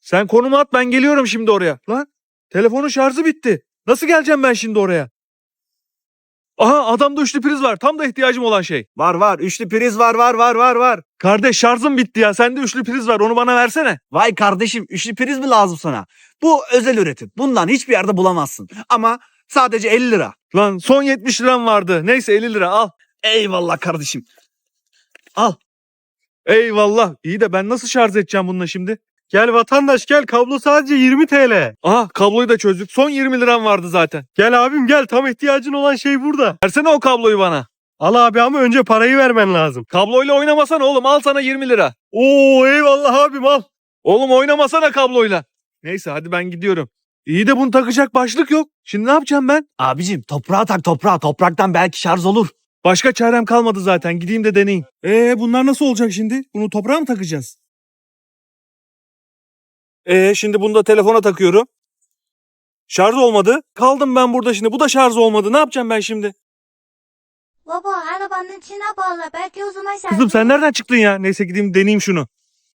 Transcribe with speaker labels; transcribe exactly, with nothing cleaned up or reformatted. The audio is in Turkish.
Speaker 1: Sen konumu at, ben geliyorum şimdi oraya. Lan telefonun şarjı bitti. Nasıl geleceğim ben şimdi oraya? Aha, adamda üçlü priz var. Tam da ihtiyacım olan şey.
Speaker 2: Var var. Üçlü priz var var var var var.
Speaker 1: Kardeş, şarjım bitti ya. Sende üçlü priz var. Onu bana versene.
Speaker 2: Vay kardeşim, üçlü priz mi lazım sana? Bu özel üretim. Bundan hiçbir yerde bulamazsın. Ama sadece elli lira.
Speaker 1: Lan son yetmiş liram vardı. Neyse, elli lira al.
Speaker 2: Eyvallah kardeşim.
Speaker 1: Eyvallah. İyi de ben nasıl şarj edeceğim bununla şimdi?
Speaker 3: Gel vatandaş gel, kablo sadece yirmi TL.
Speaker 1: Aha, kabloyu da çözdük. Son yirmi liram vardı zaten.
Speaker 3: Gel abim gel, tam ihtiyacın olan şey burada.
Speaker 1: Versene o kabloyu bana.
Speaker 3: Al abi ama önce parayı vermen lazım.
Speaker 1: Kabloyla oynamasana oğlum. Al sana yirmi lira.
Speaker 3: Oo eyvallah abim al.
Speaker 1: Oğlum oynamasana kabloyla. Neyse hadi ben gidiyorum. İyi de bunu takacak başlık yok. Şimdi ne yapacağım ben?
Speaker 2: Abicim toprağa tak toprağa. Topraktan belki şarj olur.
Speaker 1: Başka çarem kalmadı zaten. Gideyim de deneyeyim.
Speaker 3: Ee bunlar nasıl olacak şimdi? Bunu toprağa mı takacağız?
Speaker 1: Ee şimdi bunu da telefona takıyorum. Şarj olmadı. Kaldım ben burada şimdi. Bu da şarj olmadı. Ne yapacağım ben şimdi?
Speaker 4: Baba arabanın içine bağla belki o zaman sen...
Speaker 1: Kızım sen nereden çıktın ya? Neyse gideyim deneyeyim şunu.